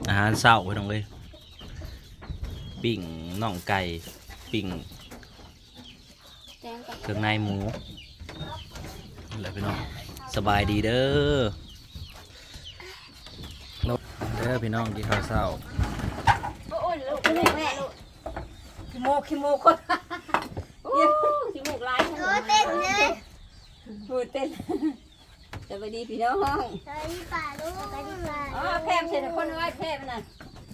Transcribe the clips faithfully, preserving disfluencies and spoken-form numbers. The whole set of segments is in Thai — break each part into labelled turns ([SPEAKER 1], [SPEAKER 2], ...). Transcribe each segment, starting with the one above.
[SPEAKER 1] อาหารเช้าพี่น้องเอ้ยปิ้งน่องไก่ปิ้งเครื่องในหมูอะไรพี่น้องสบายดีเด้อเด้อพี่น้องกินข้าวเช้า
[SPEAKER 2] ขี้โมกขี้โมกคนขี้โมกลาย
[SPEAKER 3] เออเต้นเลย
[SPEAKER 2] พูดเต้นสวัสดีพี่น้อง
[SPEAKER 3] สวัสดีป่าลูกสวัสดีป่า
[SPEAKER 2] อ๋อแพร่เสร็จคนน้อยแพร่มันน่ะ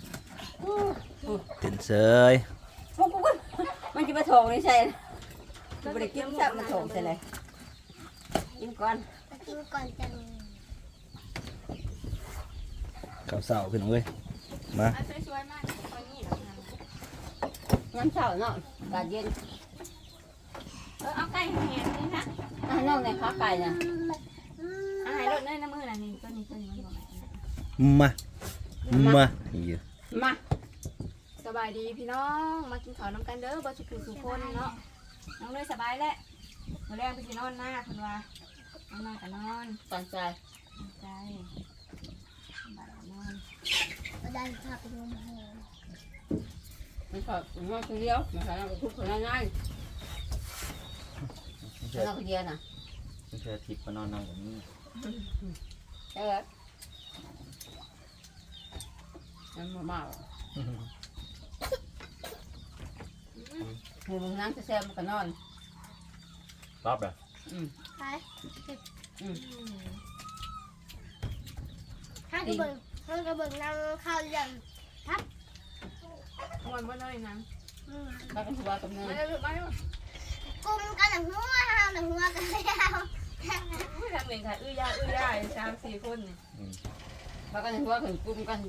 [SPEAKER 1] ตื่นเสย
[SPEAKER 2] พวกกูมันจะมาโถงนี่ใช่มันไม่ได้กินซับมาโถงใช่เลยกินก่อน
[SPEAKER 3] มากินก่อนจัง
[SPEAKER 1] ข้าวเช้าพี่น้องเอ้ยมา
[SPEAKER 4] สวยๆมากตอนนี้
[SPEAKER 2] น้ำเช้าเนาะกาดเย็น
[SPEAKER 4] เออเอาไก่เหียนนี่นะ
[SPEAKER 2] อ่ะน้องในขาไก่น่ะ
[SPEAKER 4] อาหารรสเนยน้ำมือน่ะนี่ตัวนี้ตัวนี้มันบอก
[SPEAKER 1] มามาอยู่
[SPEAKER 2] มา
[SPEAKER 4] สบายดีพี่น้องมากินข้าวน้ำกันเด้อบ่สุขุสุคนเนาะน้องเลยสบายแล้วมื้อแรกไปสินอนหน้าเพิ่นว่าน้องนอนก็นอน
[SPEAKER 2] ตั้งใจ
[SPEAKER 4] ใจบ่ายนอน
[SPEAKER 3] มาดันพาไปดูมาให้
[SPEAKER 2] มันชอบมันคนเดียวมันชอบทุกคนง่าย
[SPEAKER 1] ไม่
[SPEAKER 2] ๆ
[SPEAKER 1] ใช่
[SPEAKER 2] เราคนเดียวน่ะ
[SPEAKER 1] ไม่ใช่ทิพย์มานอนนั่งแบบนี้
[SPEAKER 2] ใช่ไหมมันมาเมาหมูมึงนั่งแซ่บมันก็นอน
[SPEAKER 1] รับเลย
[SPEAKER 2] อืม
[SPEAKER 3] ไป
[SPEAKER 2] อืม
[SPEAKER 3] ห้างกระเบิงห้างกระเบิงนั่งข้าวยัน
[SPEAKER 4] ม่วนบ่เลยนัง
[SPEAKER 2] แล้วก็ถือว่ากับเน
[SPEAKER 4] มาย เลยมาเลย
[SPEAKER 3] กุมกันหนังหัวห้างหนังหัวกันแล้ว
[SPEAKER 4] ทำเองค่ะอื้อย่าอื้อย่าสามสี่คนนี่
[SPEAKER 2] แล้วก็ถือว่าถึงกลุ่มกัน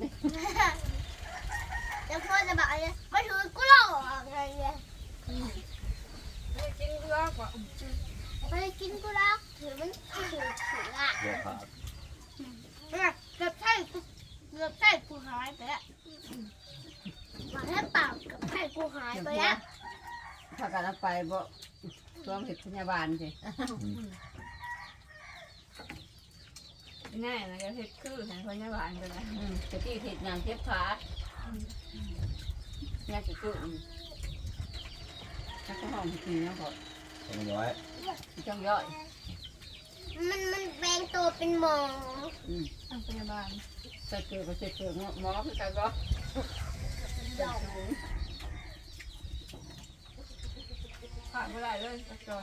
[SPEAKER 3] แล้วพ่อจะบอกอะไรมาถือกูหลอกอะไรเนี่ย
[SPEAKER 4] ไม่กินเพื่อกว่า
[SPEAKER 3] ไม่ได้กินกูหรอกถือมันถือถืออ่ะ
[SPEAKER 1] เดี๋ยวขาด
[SPEAKER 3] เนี่ยเกือบใช่กูเกือบใช่กูหายไปแล้วมาแค่เปล่าเกือบใช่กูหายไปแล้ว
[SPEAKER 2] ถ้ากันเอาไปบ่ช่วงเห็ดพยาบาลสิ
[SPEAKER 4] ง่ายนะก็เฮ็ดคือแทนพยาบาลกันนะ
[SPEAKER 2] จะที่เห็ดงานเทียบขาเนี่ยจะจุ่มแล้วก็ห้องกินแล้วก็
[SPEAKER 1] ต้องย้อย
[SPEAKER 2] จ้องย่อย
[SPEAKER 3] มันมันแบ่งตัวเป็นหมอ
[SPEAKER 4] ทางพยาบาล
[SPEAKER 2] ใส่เกลือก็ใส่เกลือหมอคือกันก็
[SPEAKER 4] ขาดไม่ได้เลยปัจจุบัน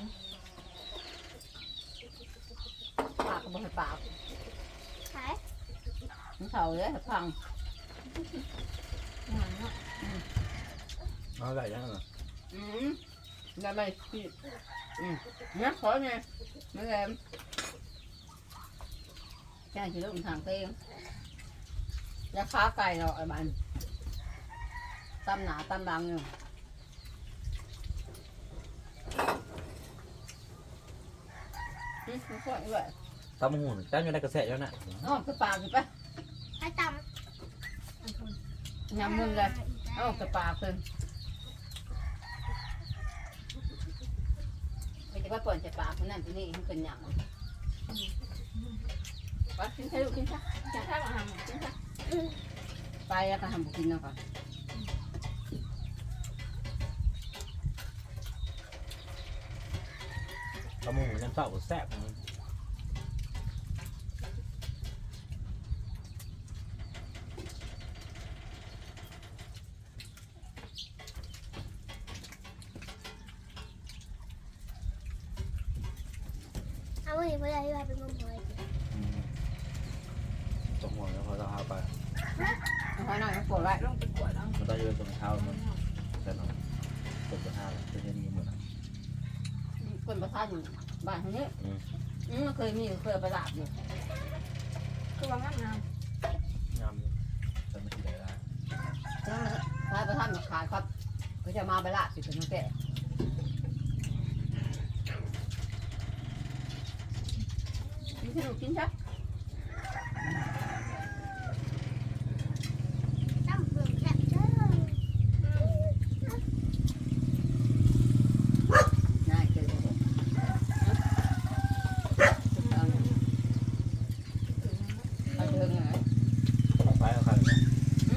[SPEAKER 2] ปากก็บ่ให้ปาก
[SPEAKER 3] ขาย
[SPEAKER 2] มันเท่าเลยพัง
[SPEAKER 4] หวานเนาะ
[SPEAKER 1] เอาได้ยังไง
[SPEAKER 2] อืมได้ไหมพี่อืมเนี่ยขอเนี่ยไม่แรงแค่ที่ลูกทางเตียงยาค้าไก่เราไอ้บ้านตำหนาตำบังอยู่อืมมันสวยด้วย
[SPEAKER 1] ตำหุ่นจ้าอยู่ในกระแสแล้วน่ะ
[SPEAKER 2] อ๋อคือปากคือปะ
[SPEAKER 3] ให้ต
[SPEAKER 4] อันคน
[SPEAKER 3] ำ
[SPEAKER 2] ยำมึงเลยอ๋อคือปากคือไม่ใช่ว่าปล่อยจะปากคนนั้นคนนี้มันเป็นยำว่ากินใช่ลูกกินใช่
[SPEAKER 4] จะถ้ามาหาหมอจริงค่ะ
[SPEAKER 2] ไปแล้วก็ทำบุกินเนาะค่ะ
[SPEAKER 1] ตำหุ่นยังเศร้าแซ่บ
[SPEAKER 3] เอาวันนี้เพื่อนที่ว่าเป็นมะม่วง
[SPEAKER 1] ตรงหัวแล้วพอเราเอาไป
[SPEAKER 2] เอาไว้หน่อยมันปวดไว้
[SPEAKER 4] ลงไปกวดแล้ว
[SPEAKER 1] มันต้องยืนตรงเท้ามันแต่หนอนตรงเท้าจะยังมีเหมือน
[SPEAKER 2] คนประทานอยู่บ้านทางนี้
[SPEAKER 1] อืม
[SPEAKER 2] อืมเคยมีเคยเอาไปลาบอยู่
[SPEAKER 4] คือว่างามงาม
[SPEAKER 1] งามแต่ไม่ได้ละ
[SPEAKER 2] แล้วถ้าประทานมาขายครับก็จะมาไปลาบอยู่ตรงนั้นแก่กินที่ลูกกินใช่
[SPEAKER 3] น้ำเปลือกแซ่บเด้อ
[SPEAKER 2] น่าเกลียดเลยเอาเชิงไง
[SPEAKER 1] ไปเอาใคร
[SPEAKER 2] อื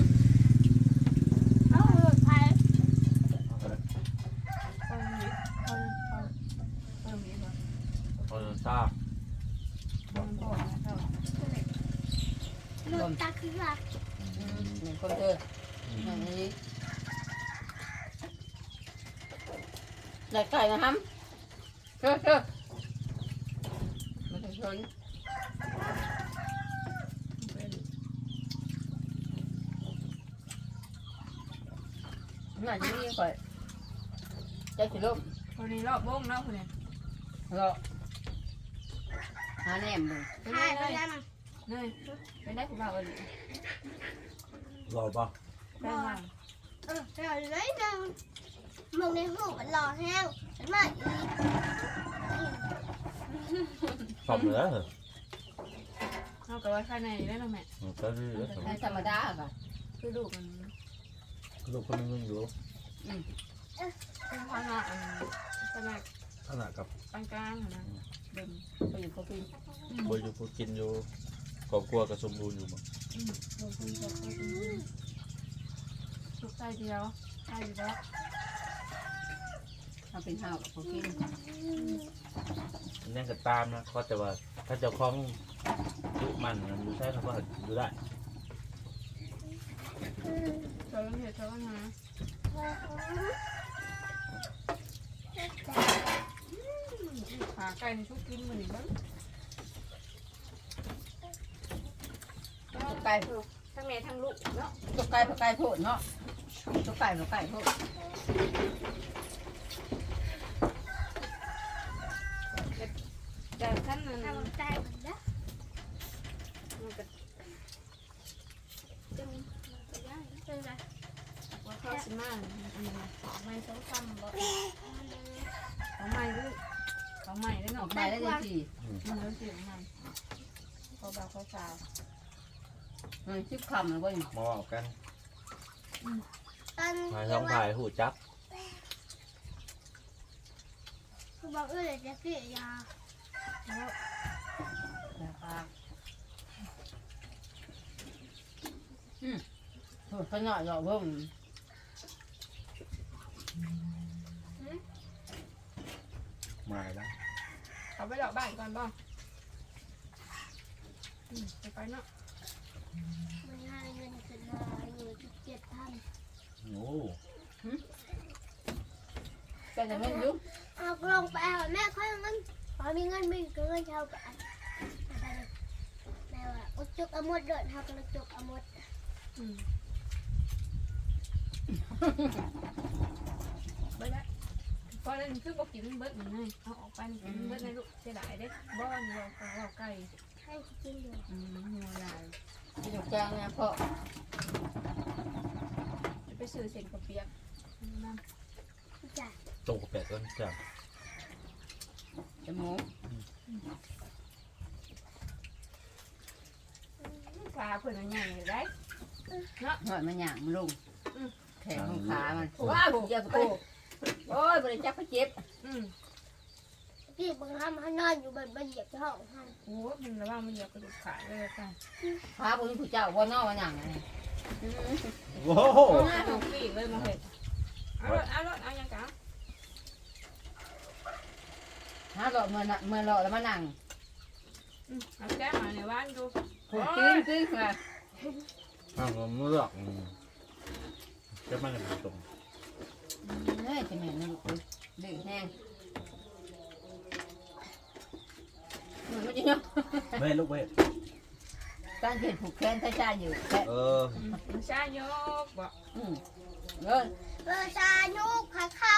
[SPEAKER 3] ค่ะ
[SPEAKER 2] เหมือนคนเธออย่างนี้ได้ไก่นะครับเชื่อเชื่อไม่ต้องชนน่าจะมีก่อนใจสิลูก
[SPEAKER 4] คนนี้รอบวงเนาะคนนี้
[SPEAKER 2] รอหาแหนมเลย
[SPEAKER 4] ไป
[SPEAKER 3] ใช่
[SPEAKER 4] เล
[SPEAKER 3] ไป
[SPEAKER 4] ย
[SPEAKER 3] แล้วนะ
[SPEAKER 4] เนยไปได้ผู้บ่าวกัน
[SPEAKER 1] รอป่ะ
[SPEAKER 4] ได้มา
[SPEAKER 3] เออเดี๋ยวเลยนึงมึงในหูมันรอแห้งฉันมาอีก
[SPEAKER 5] สอบเหลือเหรอ
[SPEAKER 4] เอากับว่าข้างในได้หรอแม่
[SPEAKER 5] ก็คือเหลือสอบ
[SPEAKER 2] ในธรรมดาค่ะ
[SPEAKER 4] คือดูมัน
[SPEAKER 5] ลูกคนนึงอยู่
[SPEAKER 4] คือข้างนอกอันขนาด
[SPEAKER 5] ขนาดกับ
[SPEAKER 4] ปานกลางนะเดิม
[SPEAKER 2] ไปอยู่เขากิน
[SPEAKER 5] บอยู่พูกินอยู่ครอบครัวกับสมบูรณ์อยู่มั้ง
[SPEAKER 4] อืมลงทุนกับทุกใจเดียวใช่อยู่แล้ว
[SPEAKER 2] เขาเป็นห้าวกับเขากิน
[SPEAKER 5] นั่นก็ตามนะเขาแต่ว่าถ้าเจ้าของยุมันอยู่ใช่เขาก็อยู่ได้
[SPEAKER 4] เธอต้องเห็นเธอต้องหาขาไก่ในชุกกินเหมือนกัน
[SPEAKER 2] ไก่
[SPEAKER 4] ทั้งแม่ทั้งลูกเนาะ
[SPEAKER 2] ตัวไก่ตัวไก่โพดเนาะตัวไก่ตัวไก่โพด
[SPEAKER 4] แต่ท่านนั้น
[SPEAKER 3] ทำใจเหมือนเดิม
[SPEAKER 4] มันก็
[SPEAKER 3] จึงจะได้เป็นไร
[SPEAKER 4] ว่าข้าวสิมาอันนี้
[SPEAKER 3] ไม่ต้องทำบ่
[SPEAKER 4] เขาใหม่ด้วยเขาใหม่ได้ห
[SPEAKER 2] อ
[SPEAKER 4] น่
[SPEAKER 2] อ
[SPEAKER 4] อก
[SPEAKER 2] มาได้เลยสิ
[SPEAKER 4] มันแล้วเสียงมันเขาเบาเขาสาว
[SPEAKER 2] มันชิบคำแล้วก็
[SPEAKER 5] มออกกัน
[SPEAKER 3] ตอน
[SPEAKER 5] พายท้องพายหูจับ
[SPEAKER 3] คือบอกเออจะเสียยา
[SPEAKER 4] แล้ว
[SPEAKER 2] นะครับอืมโหขนาดเราเพิ่ม
[SPEAKER 5] มาแล้ว
[SPEAKER 4] เขาไปดอกบ้านก่อนบ้างไปไปเนาะ
[SPEAKER 3] ไม่ให้เงินขึ้นมาอยู่ที่เจ็ดพัน
[SPEAKER 5] โอ้
[SPEAKER 2] ก็จะไม่ยุ่ง
[SPEAKER 3] เอาลงไปเอาแม่ค่อยเงินพอมีเงินไม่ก็เงินเท่ากันแม่ว่าอุจุกอมดเดินเท่ากับจุกอมด
[SPEAKER 4] ไปแล้วพอแล้วคือบอกกินเบิดเหมือนไงเอาออกไปกินเบิดในลูกเสียดายเด้บ้อนเราเราไก่
[SPEAKER 3] ให้กินอยู่
[SPEAKER 4] อืมหัวใหญ่
[SPEAKER 2] ที่ถูกจ้างเนี่ยพ่อ
[SPEAKER 4] จะไปซื้อเส้นกระเปียกนั่น
[SPEAKER 3] จ้ะ
[SPEAKER 5] ตรงกับแปดต้นจับ
[SPEAKER 2] จมูก
[SPEAKER 4] ปลาเพิ่นใหญ่ได้
[SPEAKER 2] หอยมันหยางมันลงแขนของขามัน
[SPEAKER 4] ว้า
[SPEAKER 2] ว้าว
[SPEAKER 4] ว
[SPEAKER 2] เจ็บกูโอ้ยบริจาคไปเจ็บ
[SPEAKER 4] อืม
[SPEAKER 3] พี่บังคับให้นอนอยู่บนบนเหยียบห้องให้
[SPEAKER 4] โอ้มันระวังมันเหยียบกระดูกขาเลยค่ะ
[SPEAKER 2] ขาบุญผู้เจ้าว่านอกว่าหยางไง
[SPEAKER 5] โอ้โห
[SPEAKER 4] โอ้หน้าของปีกเลยมาเห็ดเอารถเอารถเอายังกะ
[SPEAKER 2] ฮะหลอดเมื่อน่ะเมื่อหลอดแล้วมานั่ง
[SPEAKER 4] อืมเอาแก้มาในบ้านดู
[SPEAKER 2] ผูกกิ้งกิ้งมา
[SPEAKER 5] อ้าวผมเลือกจะมันจะตรง
[SPEAKER 2] เฮ้ยจะเหม็นนะลูกดื้อแห้งมันไม่จริงเนาะ
[SPEAKER 5] ไม่ลูกเว้ย
[SPEAKER 2] การเห็นผูกแขนใช้จ่ายอยู่แต่
[SPEAKER 5] เออ
[SPEAKER 4] มันชาโยกบอก
[SPEAKER 2] อืมเอ้ย
[SPEAKER 3] เออชายุกขาเข้า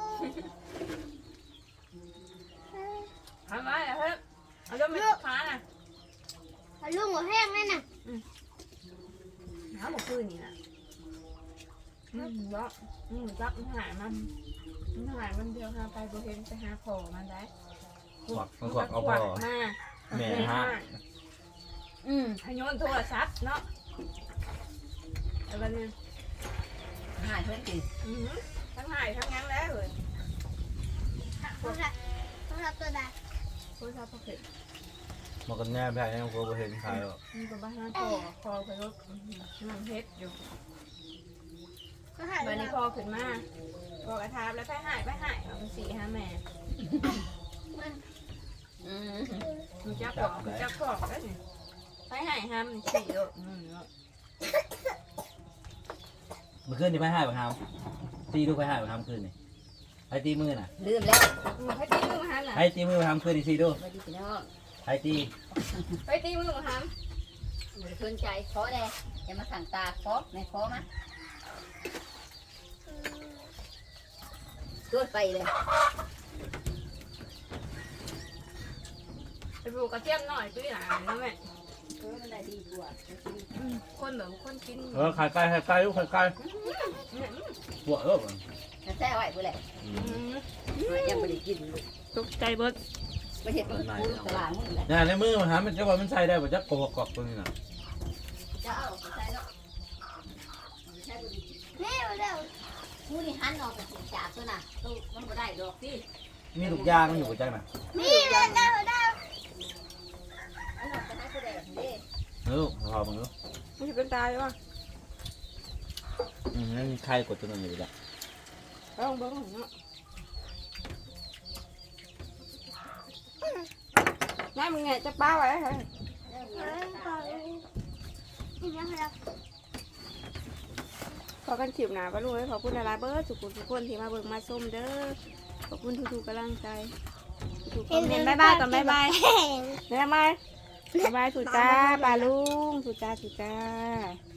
[SPEAKER 4] ทำไมล่ะเฮ้ยเอารถมาขาน่ะ
[SPEAKER 3] ลุงหัวแห้งเลยนะ
[SPEAKER 4] น้ำหมกคืนนี่นะอืมว่าอืมจับมันหายมันมันหายมันเดียวหาไปโบเห็นไปหาพอมันได้
[SPEAKER 5] ขวักมันขวักเอาพอ
[SPEAKER 4] มา
[SPEAKER 5] แม่ฮะ
[SPEAKER 2] อืม
[SPEAKER 4] ให้โยนโทรศัพท์เนาะแล้ววันนี้
[SPEAKER 2] หายเพื่อนกิน
[SPEAKER 4] อือทั้งหายทั้งยังแล้วเลย
[SPEAKER 3] โทรศัพท์โทรศัพท์ตัวใด
[SPEAKER 4] โทรศัพท์พอเห็น
[SPEAKER 5] มันก็แน่แพ้เนี่ยผมก็เห็นใครหรอก
[SPEAKER 4] มีกับบ้านพอพอไปรถนั่งเฮ็ดอยู่
[SPEAKER 3] ก็หาย
[SPEAKER 4] วันนี้พอขึ้นมาพอกระทาบแล้วไปหายไปหายเอาสี่ห้าแม่
[SPEAKER 2] อืม
[SPEAKER 4] มึงจับบอกมึงจับบอกแล้วนี่ไปหายห้ามสี่โลอืม
[SPEAKER 5] มื่อคืนนี่ไปหายบังคับตีดูไปหายบังคับคืนนี่ไอตีมือน่ะ
[SPEAKER 2] ลืมแล้ว
[SPEAKER 4] ไปตีมือมาหันน่ะ
[SPEAKER 5] ไอตีมือบังคับคืนนี่ซีดู
[SPEAKER 2] ไม่ดีพี่น้อง
[SPEAKER 5] ไอตี
[SPEAKER 4] ไปตีมือมาหัน
[SPEAKER 2] มือคืนใจขอแน่อย่ามาสั่งตาขอไม่ขอมาตรวจไปเลย
[SPEAKER 4] ไปปลูกกระเทียมหน่อยตุ้ยหลานนะแม่
[SPEAKER 2] เออมันได้ดีกว่า
[SPEAKER 4] คนแบบคนกิน
[SPEAKER 5] เออไข่ไก่ไข่ไก่ลูกไข่ไก่ปวดเออ
[SPEAKER 2] จะแซ่ไว้บ่แหละยังไม่ได้กินเลย
[SPEAKER 4] ตกใจเบิด
[SPEAKER 2] ไม่เห็นมันพูดตลาดมึงแหละ
[SPEAKER 5] เนี่ยในมือมันหามันจะว่ามันใส่ได้บ่จักกอกกอกตัวนี้น่ะ
[SPEAKER 2] จะเอาใส่เนาะใช่บ่ดี
[SPEAKER 3] แม่เร็ว
[SPEAKER 2] มูนี่หันออกจากจากตัวน่ะตู้มันบ่ได้ดอกพี่
[SPEAKER 5] มีลูกยางอยู่บ่จักน่ะ
[SPEAKER 3] นี่เร็วเร็วเร็ว
[SPEAKER 2] อันนั้นก็ได้ผู้ใดเด้
[SPEAKER 5] เออพอมึงดู
[SPEAKER 4] มันจะเป็นตายว่ะ
[SPEAKER 5] อืมนั่นไข่กดตัวนึงอยู่จ้ะ
[SPEAKER 4] เอาเบิ้งเนาะนายมึงไงจะป้าไว้เหรอ
[SPEAKER 3] นี่นะเร็ว
[SPEAKER 4] ขอกันถิบหนาปะลูกขอบคุณดาราเบิร์ดสุขุมทุกคนที่มาเบิ่งมาส้มเด้อขอบคุณทุกๆกำลังใจทุกๆคอมเมนต์บ๊ายบายก่อนบ๊ายบายบ๊ายบายบ๊ายบายสุจ้าปลาลุงสุจ้าสุจ้า